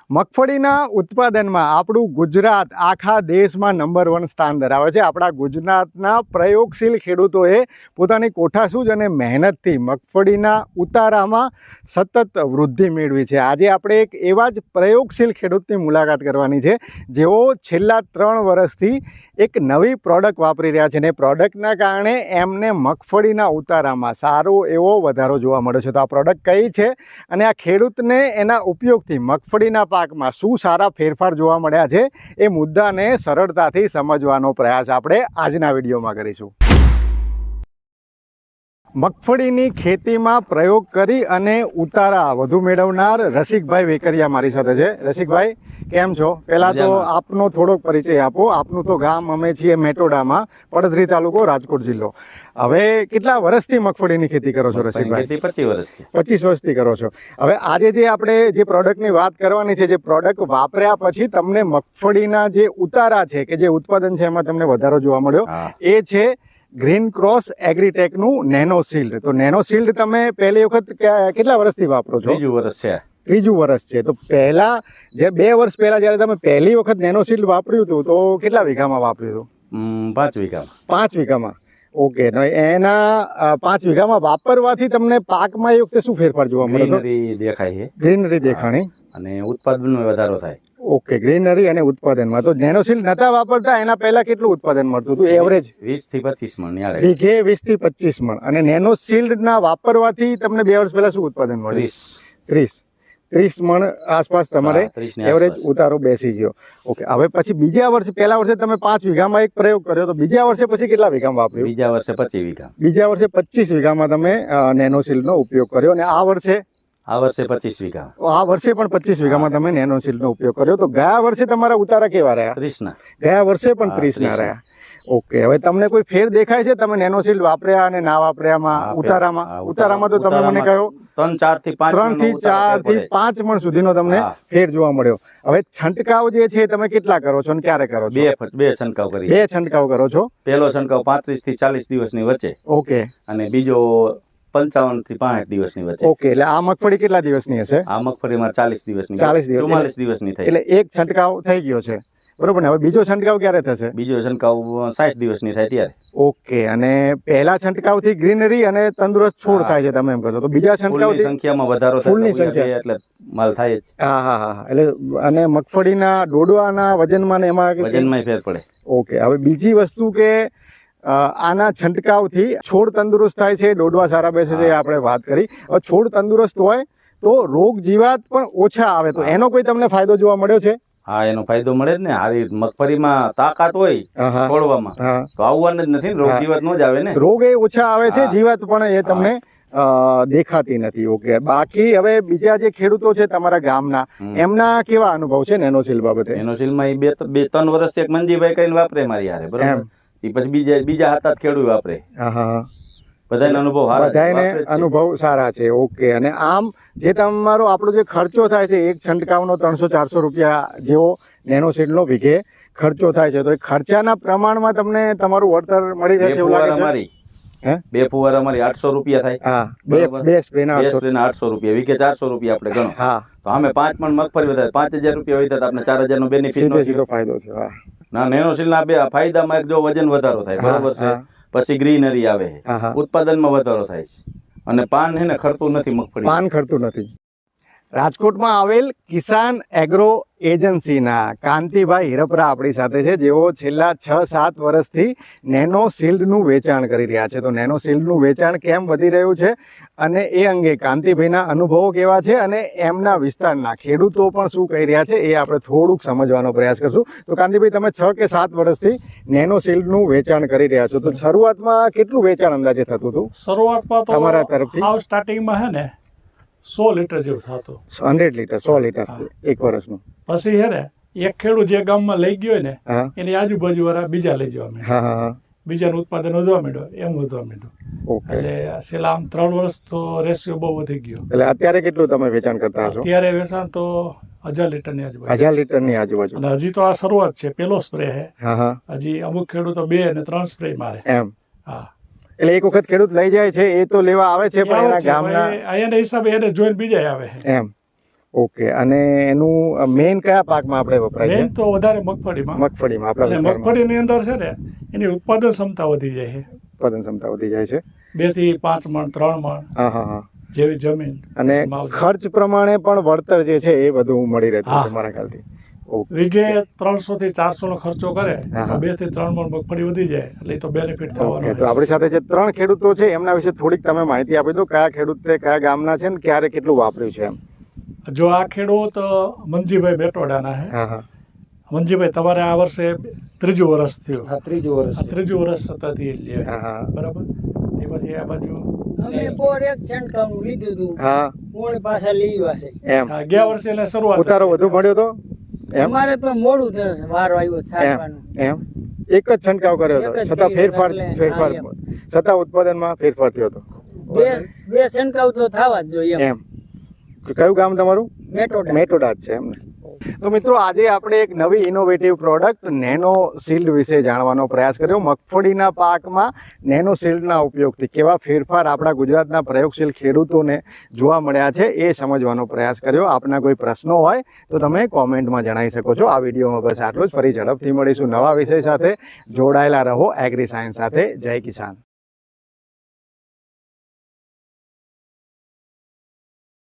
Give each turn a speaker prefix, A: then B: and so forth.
A: મગફળીના ઉત્પાદનમાં આપણું ગુજરાત આખા દેશમાં નંબર 1 સ્થાન ધરાવે છે. આપણા ગુજરાતના પ્રયોગશીલ ખેડૂતોએ પોતાની કોઠાસૂઝ અને મહેનતથી મગફળીના ઉતારામાં સતત વૃદ્ધિ મેળવી છે. આજે આપણે એક એવા જ પ્રયોગશીલ ખેડૂતની મુલાકાત કરવાની છે, જેઓ છેલ્લા 3 વર્ષથી એક નવી પ્રોડક્ટ વાપરી રહ્યા છે અને પ્રોડક્ટના કારણે એમને મગફળીના ઉતારામાં સારો એવો વધારો જોવા મળ્યો છે. તો આ પ્રોડક્ટ કઈ છે અને આ ખેડૂતને એના ઉપયોગથી મગફળીના પાકમાં શું સારા ફેરફાર જોવા મળ્યા છે, એ મુદ્દાને સરળતાથી સમજવાનો પ્રયાસ આપણે આજના વિડીયોમાં કરીશું. મગફળીની ખેતીમાં પ્રયોગ કરી અને ઉતારા વધુ મેળવનાર રસિકભાઈ વેકરિયા મારી સાથે છે. રસિકભાઈ, કેમ છો? પહેલાં તો આપનો થોડોક પરિચય આપો. આપનું તો ગામ અમે છીએ મેટોડામાં, પડધરી તાલુકો, રાજકોટ જિલ્લો. હવે કેટલા વર્ષથી મગફળીની ખેતી કરો છો રસિકભાઈ?
B: 25 વર્ષથી.
A: 25 વર્ષથી કરો છો. હવે આજે જે આપણે જે પ્રોડક્ટની વાત કરવાની છે, જે પ્રોડક્ટ વાપર્યા પછી તમને મગફળીના જે ઉતારા છે કે જે ઉત્પાદન છે એમાં તમને વધારો જોવા મળ્યો, એ છે ગ્રીન ક્રોસ એગ્રીટેકનું નેનો શિલ્ડ. તો નેનો શિલ્ડ તમે પહેલી વખત કેટલા વર્ષથી વાપરો છો?
B: 3 વર્ષ છે.
A: 3 વર્ષ છે. તો પહેલા જે 2 વર્ષ પહેલા જ્યારે તમે પહેલી વખત નેનો શિલ્ડ વાપર્યું હતું તો કેટલા વીઘામાં વાપર્યું હતું?
B: 5 વીઘામાં.
A: 5 વીઘામાં. ઓકે. તો એના 5 વીઘામાં વાપરવાથી તમને પાકમાં એ વખતે શું ફેરફાર જોવા મળ્યો?
B: ગ્રીનરી દેખાય છે.
A: ગ્રીનરી દેખાણી
B: અને ઉત્પાદનમાં વધારો થાય.
A: ઓકે, ગ્રીનરી અને ઉત્પાદનમાં. તો નેનો શિલ્ડ નતા વાપરતા એના પહેલા કેટલું ઉત્પાદન મળતું હતું એવરેજ?
B: 20 થી 25 મણ યાર.
A: વીઘે 20 થી 25 મણ. અને નેનો શિલ્ડ ના વાપરવાથી તમને 2 વર્ષ પહેલા શું ઉત્પાદન મળ્યું? 30 મણ આસપાસ તમારે એવરેજ ઉતારો બેસી ગયો. ઓકે. હવે પછી બીજા વર્ષે, પહેલા વર્ષે તમે 5 વીઘામાં એક પ્રયોગ કર્યો, તો બીજા વર્ષે પછી કેટલા વીઘામાં વાપર્યું?
B: બીજા વર્ષે 25 વીઘા.
A: બીજા વર્ષે 25 વીઘામાં તમે નેનો શિલ્ડનો ઉપયોગ કર્યો. અને આ વર્ષે
B: 25 વીઘા.
A: આ વર્ષે પણ 25 વીઘામાં તમે નેનો શિલ્ડનો ઉપયોગ કર્યો. તો ગયા વર્ષે તમારા ઉતારા કેવા રહ્યા?
B: 30 ના.
A: ગયા વર્ષે પણ 30 ના રહ્યા. ઓકે. હવે તમને કોઈ ફેર દેખાય છે તમે નેનો શિલ્ડ વાપર્યા અને ના વાપર્યામાં ઉતારામાં? ઉતારામાં તો તમે મને કહ્યો 3 થી 4 મણ સુધીનો તમને ફેર જોવા મળ્યો. હવે છંટકાવ જે છે તમે કેટલા કરો છો અને ક્યારે કરો છો?
B: બે છંટકાવ કરી.
A: 2 છંટકાવ કરો છો.
B: પહેલો છંટકાવ 35 થી 40 દિવસની વચ્ચે.
A: ઓકે.
B: અને બીજો 55 થી 65 દિવસની વચ્ચે.
A: ઓકે. એટલે આ મગફળી કેટલા દિવસની હશે?
B: આ મગફળીમાં 40 દિવસની. 44 દિવસની થઈ.
A: એટલે એક છંટકાવ થઈ ગયો છે, બરોબર ને? હવે બીજો છંટકાવ ક્યારે થશે?
B: બીજો છંટકાવ 60 દિવસની થાય ત્યારે.
A: ઓકે. અને પહેલા છંટકાવથી ગ્રીનરી અને તંદુરસ્ત છોડ થાય છે તમે એમ કહો છો, તો બીજા છંટકાવથી
B: સંખ્યામાં વધારો થાય. ફૂલની સંખ્યા એટલે માલ થાય જ.
A: હા. એટલે અને મગફળીના ડોડવાના વજનમાં ને એમાં
B: વજનમાં ફેર પડે. ઓકે.
A: હવે બીજી વસ્તુ કે આના છંટકાવથી છોડ તંદુરસ્ત થાય છે, ડોડવા સારા બેસે છે, આપણે વાત કરી. હવે છોડ તંદુરસ્ત હોય તો રોગ જીવાત પણ ઓછા આવે, તો એનો કોઈ તમને ફાયદો જોવા મળ્યો છે?
B: હા, એનો ફાયદો મળે જ ને. હારી મગફળીમાં તાકાત હોય છોડવામાં તો આવવાનું જ નથી. રોગ જીવાત નો જ આવે ને. રોગ એ ઓછા આવે છે, જીવાત પણ એ તમને
A: દેખાતી નથી. ઓકે. બાકી હવે બીજા જે ખેડૂતો છે તમારા ગામના, એમના કેવા અનુભવ છે નેનો શિલ્ડ બાબતે?
B: નેનો શિલ્ડમાં 2-3 વર્ષથી એક મંજીભાઈ કરીને વાપરે મારી હારે, બરાબર. એ પછી બીજા હતા ખેડૂત વાપરે. બધાને
A: અનુભવ સારા છે. ઓકે. અને આમ જે તમારો આપણો જે ખર્ચો થાય છે, એક છંટકાવનો 300-400 રૂપિયા જેવો નેનો શિલ્ડનો વીઘે ખર્ચો થાય છે, તો એ ખર્ચાના પ્રમાણમાં તમને તમારું વળતર મળી રહે છે એવું લાગે છે?
B: 2 ફુવારા અમારી 800 રૂપિયા થાય.
A: હા, 2 સ્પ્રેના
B: 800 રૂપિયા. વીઘે 400 રૂપિયા આપણે ગણો.
A: હા.
B: તો અમે 5 મણ મગફળી વધારે 5000 રૂપિયા હોય તો આપણે 4000 નો બેનિફિટ
A: સીધો ફાયદો છે. હા.
B: ના, નેનો શિલ્ડના બે ફાયદામાં એક જો વજન વધારો થાય, બરાબર છે. પછી ગ્રીનરી આવે, ઉત્પાદનમાં વધારો થાય છે, અને પાન છે ને ખરતું નથી. મગફળી
A: પાન ખરતું નથી. રાજકોટમાં આવેલ કિસાન એગ્રો એજન્સીના કાંતિભાઈ હિરપરા આપણી સાથે છે, જેઓ છેલ્લા 6-7 વર્ષથી નેનો શિલ્ડનું વેચાણ કરી રહ્યા છે. તો નેનો શિલ્ડનું વેચાણ કેમ વધી રહ્યું છે અને એ અંગે કાંતિભાઈના અનુભવો કેવા છે અને એમના વિસ્તારના ખેડૂતો પણ શું કહી રહ્યા છે, એ આપણે થોડુંક સમજવાનો પ્રયાસ કરશું. તો કાંતિભાઈ, તમે 6 કે 7 વર્ષથી નેનો શિલ્ડનું વેચાણ કરી રહ્યા છો, તો શરૂઆતમાં કેટલું વેચાણ અંદાજે થતું હતું?
C: શરૂઆતમાં તો
A: તમારા તરફથી
C: સ્ટાર્ટિંગમાં હે ને 100 લીટર જેવું થતું.
A: 100 લીટર 100 લીટર એક વર્ષનું.
C: પછી હે ને એક ખેડૂત જે ગામમાં લઈ ગયો ને એની આજુબાજુ વાળા બીજા લઈ જવા માંડ્યા. બીજાનું ઉત્પાદન વધવા માંડ્યું, એમ વધવા માંડ્યું. એટલે છેલ્લા આમ 3 વર્ષ તો રેશિયો બહુ વધી ગયો.
A: એટલે અત્યારે કેટલું તમે વેચાણ કરતા હશો?
C: અત્યારે વેચાણ તો 1000 લીટરની આજુબાજુ.
A: 1000 લીટરની આજુબાજુ.
C: અને હજી તો આ શરૂઆત છે, પેલો સ્પ્રે છે. હજી અમુક ખેડૂતો 2 અને 3 સ્પ્રે મારે.
A: એમ.
C: હા.
A: એટલે એક વખત ખેડૂત લઈ જાય છે, એ તો લેવા આવે છે, પણ એના ગામના
C: એના હિસાબે એને જોઈને બીજા આવે.
A: એમ. ઓકે, અને એનું મેઇન કયા પાકમાં આપણે વપરાય છે?
C: મેન તો વધારે મગફળીમાં.
A: મગફળીમાં આપણા
C: અને
A: વિસ્તારમાં
C: મગફળીની અંદર છે ને એની ઉત્પાદન ક્ષમતા વધી જાય છે.
A: ઉત્પાદન ક્ષમતા વધી જાય છે.
C: 2 થી 5 મણ 3 મણ
A: હા હા હા.
C: જેવી જમીન
A: અને
C: માવજત.
A: ખર્ચ પ્રમાણે પણ વળતર જે છે એ બધું મળી રહેતું
C: હા.
A: છે મારા ખ્યાલથી. ઓકે.
C: વીઘે 300 થી 400 નો ખર્ચો કરે
A: હા, હા.
C: 2 થી 3 મણ મગફળી વધી જાય એટલે એ તો બેનિફિટ
A: ઓકે,
C: થવાનો
A: તો આપણી સાથે જે 3 ખેડૂતો છે એમના વિશે થોડીક તમે માહિતી આપી દો. કયા ખેડૂતે કયા ગામના છે ને ક્યારે કેટલું વાપર્યું છે એમ?
C: જો આ ખેડૂત મંજીભાઈ બેટોડાના છે.
A: હા હા.
C: મંજીભાઈ, તમારે આ વર્ષે 3જું વર્ષ થયું.
D: હા, 3જું વર્ષ.
C: 3જું વર્ષ સતત ઈ જ લે.
A: હા હા.
C: બરાબર. એ પછી આ બાજુ
D: અમે પોર એક છંટકાવનું લીધું હતું.
A: હા
D: મોડી પાછા લીધા છે.
A: એમ
C: ગયા વર્ષે એટલે શરૂઆત
A: ઉતારો વધુ મળ્યો તો એમ
D: અમારે તો મોડું થયું, વારો આવ્યો છાંટવાનો.
A: એમ એક જ છંટકાવ કર્યો હતો
D: એક જ
A: છતાં
D: કર્યો
A: ફેરફાર
D: એટલે,
A: ફેરફાર
D: હા,
A: છતાં ઉત્પાદનમાં ફેરફાર થયો હતો
D: બે છંટકાવ તો થવા જ જોઈએ એમ.
A: એમ કયું ગામ તમારું?
D: મેટોડા.
A: મેટોડા જ છે એમને. તો મિત્રો, આજે આપણે એક નવી ઇનોવેટિવ પ્રોડક્ટ નેનો શિલ્ડ વિશે જાણવાનો પ્રયાસ કર્યો. મગફળીના પાકમાં નેનો શિલ્ડના ઉપયોગથી કેવા ફેરફાર આપણા ગુજરાતના પ્રયોગશીલ ખેડૂતોને જોવા મળ્યા છે એ સમજવાનો પ્રયાસ કર્યો. આપના કોઈ પ્રશ્નો હોય તો તમે કોમેન્ટમાં જણાવી શકો છો. આ વિડીયોમાં બસ આટલું જ. ફરી ઝડપથી મળીશું નવા વિષય સાથે. જોડાયેલા રહો એગ્રી સાયન્સ સાથે. જય કિસાન.